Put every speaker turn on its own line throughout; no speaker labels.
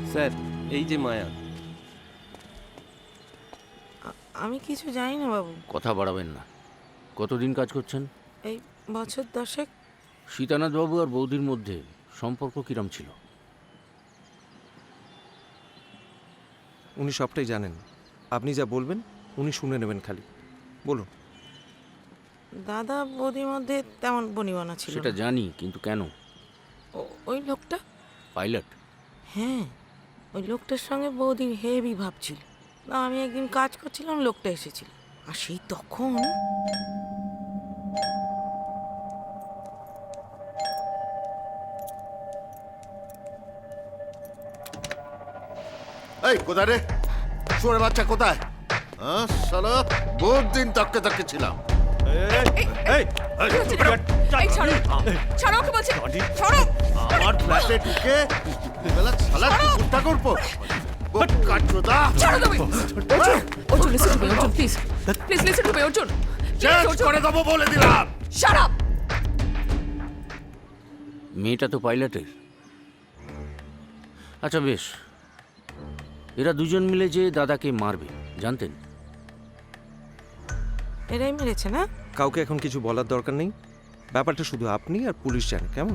Sir, এই যে মায়া।
আমি কিছু জানি না বাবু।
কথা বাড়াবেন না। কতদিন কাজ করছেন?
এই বছর 10
সীতানাথ বাবু আর বৌদির মধ্যে সম্পর্ক কিরম ছিল?
উনি সবটাই জানেন। আপনি যা বলবেন উনি শুনে নেবেন, খালি বলুন।
দাদা বৌদির মধ্যে তেমন বনিবনা ছিল
সেটা
না।
জানি, কিন্তু কেন?
ওই লোকটা,
পাইলট?
হ্যাঁ ওই লোকটার সঙ্গে বৌদির হেভি ভাব ছিল। না, আমি একদিন কাজ করছিলাম, লোকটা এসেছিল, আর সেই তখন
এই কোথায় রে? শুয়োরে বাচ্চা কোথায়? হ্যাঁ শালা, বহুত দিন তককে তককে ছিলাম। আমার ফ্ল্যাটে ঢুকে বেলা শালা কুত্তা করবো। কাটছোদা চেঞ্জ করে দেবো বলে দিলাম।
মেয়েটা তো পাইলটের। আচ্ছা বেশ, এরা দুজন মিলে যে দাদাকে মারবে জানতেন?
এরাই মেরেছে না?
কাউকে এখন কিছু বলার দরকার নেই, ব্যাপারটা শুধু আপনি আর পুলিশ জানে, কেমন?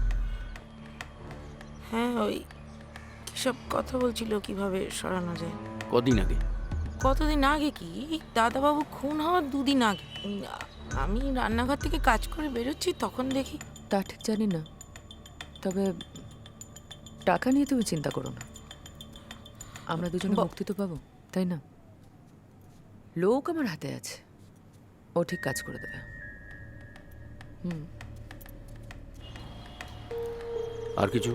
হ্যাঁ, ওই কিসব কথা বলছিল কিভাবে সরানো যায়।
কদিন আগে?
কতদিন আগে? কি দাদাবাবু খুন হওয়ার 2 দিন আগে। আমি রান্নাঘর থেকে কাজ করে বেরোচ্ছি, তখন দেখি।
তা ঠিক জানি না, তবে টাকা নিয়ে তুমি চিন্তা করো না, আমরা দুজনে মুক্তি তো পাবো, তাই না? লোক আমার হাতে আছে, ও ঠিক কাজ করে দেবে।
আর কিছু?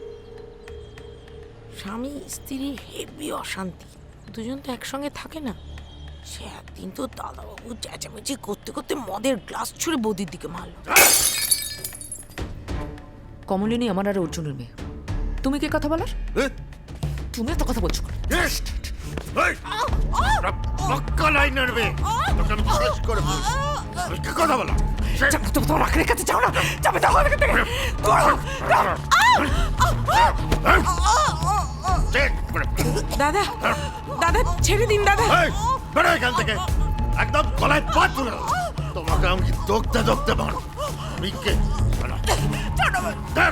স্বামী স্ত্রীর হেভি অশান্তি, দুজন তো একসঙ্গে থাকে না। সে একদিন তো দাদাবাবু চেঁচামেচি করতে করতে মদের গ্লাস ছুঁড়ে বৌদির দিকে মারল।
কমলিনী আমার আর অর্জুনের মেয়ে, তুমি কে কথা বলার? তুমি তো কথা বলছো কেন?
পক্কা লাইন নাড়বে, তোকে আমি শেষ করে ফেলবো। আমি কি কথা বলা?
তুমি তোমার আখের কাছে যাও না, যাবে যাও এখান থেকে।
দাদা, দাদা ছেড়ে দিন দাদা।
বেড়া এখান থেকে, একদম গলায় পাত তুলে দাও। তোমাকে আমি দোকতে দোকতে মার। আমি কে? দেখ,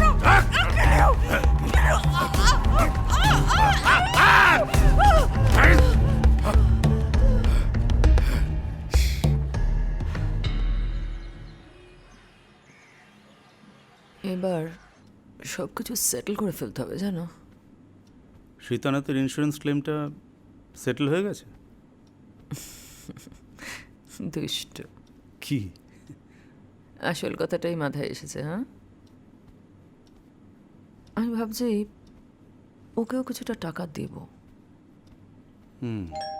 এবার সব কিছু সেটেল করে ফেলতে হবে, জানো?
সীতানাথের ইন্স্যুরেন্স ক্লেমটা সেটেল হয়ে গেছে?
দুষ্ট।
কি?
আসল কথাটাই মাথায় এসেছে। হ্যাঁ, আমি ভাবছি ওকেও কিছুটা টাকা দেব।